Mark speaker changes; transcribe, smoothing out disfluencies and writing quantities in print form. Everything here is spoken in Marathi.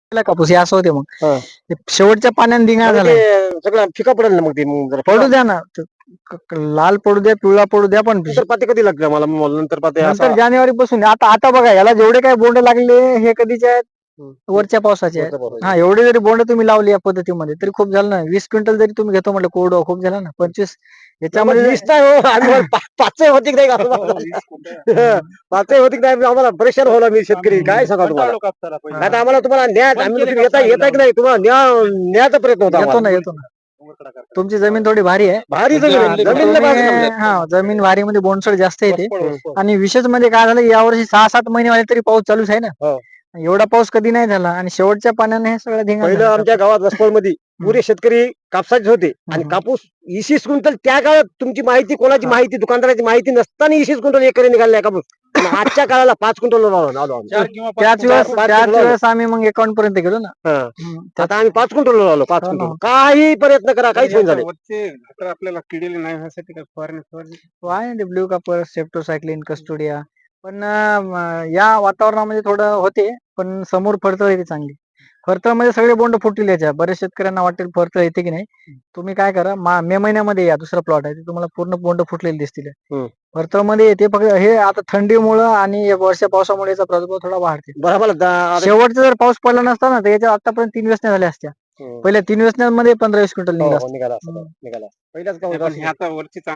Speaker 1: केला कापूस हे असं होते मग
Speaker 2: हा.
Speaker 1: ते शेवटच्या पाण्याने धिंगाणा
Speaker 2: मग
Speaker 1: झाला
Speaker 2: ते सगळं फिका पडेल ना मग ते मग जरा
Speaker 1: पडू द्या ना लाल पडू द्या पिवळा पडू द्या पण
Speaker 2: नंतर पाते कधी लागले मला नंतर पाते
Speaker 1: नंतर जानेवारी पासून आता आता बघा याला जेवढे काही बोंड लागले हे कधीचे आहेत वरच्या पावसाचे आहेत.
Speaker 2: वरच्या पावसाचे.
Speaker 1: हा एवढे जरी बोंड तुम्ही लावली या पद्धतीमध्ये तरी खूप झालं ना 20 क्विंटल जरी तुम्ही घेतो म्हटलं कोरडं खूप झालं ना 25 याच्यामध्ये
Speaker 2: वीस नाही हो आम्ही पाच होती नाही का पाच होती नाही आम्हाला परेशान होला मी शेतकरी काय सांगा तुम्हाला आता आम्हाला तुम्हाला न्याय आम्ही येता की नाही तुम्हाला न्यायाचा प्रयत्न होता
Speaker 1: येतो ना
Speaker 2: आम्हाला.
Speaker 1: येतो ना तुमची जमीन थोडी भारी आहे
Speaker 2: भारी जमीन आहे. जमीन लय भारी जमीन आहे.
Speaker 1: हा जमीन भारी मध्ये बोंडसड जास्त येते आणि विशेष म्हणजे काय झालं यावर्षी 6-7 महिने वाले तरी पाऊस चालूच आहे ना
Speaker 2: हो.
Speaker 1: एवढा पाऊस कधी नाही झाला आणि शेवटच्या पाण्याने हे सगळं धिंगाणा
Speaker 2: पहिलं
Speaker 1: झाला.
Speaker 2: आमच्या गावात वसपळ मध्ये पुरे शेतकरी कापसाचे होते आणि कापूस 20 क्विंटल त्या काळात तुमची माहिती कोणाची माहिती दुकानदाराची माहिती नसताना 20 क्विंटल एकरी निघाले कापूस आणि आजच्या काळाला 5 क्विंटल आलो आम्ही.
Speaker 1: त्याच वेळेस आम्ही मग 51 पर्यंत गेलो ना
Speaker 2: हा.
Speaker 1: त्यात-
Speaker 2: आता आम्ही 5 क्विंटल आलो 5
Speaker 1: हो ना.
Speaker 2: क्विंटल काही प्रयत्न करा काहीच होऊन झाले
Speaker 3: आपल्याला किडीले नाही व्हायसाठी काय फवारणी
Speaker 1: आहे ना ब्ल्यू कापर सेप्टोसायक्लिन कस्टोडिया पण या वातावरणामध्ये थोडं होते पण समोर फळतळ येते चांगली फरतळमध्ये सगळे बोंड फुटतील याच्या बरेच शेतकऱ्यांना वाटेल फरतळ येते की नाही तुम्ही काय करा मे महिन्यामध्ये या दुसरा प्लॉट आहे ते तुम्हाला पूर्ण बोंड फुटलेले दिसतील फरतळमध्ये येते फक्त हे आता थंडीमुळं आणि वर्षा पावसामुळे याचा प्रादुर्भाव थोडा वाढते
Speaker 2: बरोबर
Speaker 1: शेवटचा जर पाऊस पडला नसता ना तर याच्या आतापर्यंत 3 वेचण्या झाल्या असत्या पहिल्या 3 वेचण्यांमध्ये 15-20 क्विंटल निघाला असतं.
Speaker 2: निघाला पहिल्याच
Speaker 3: आता वरची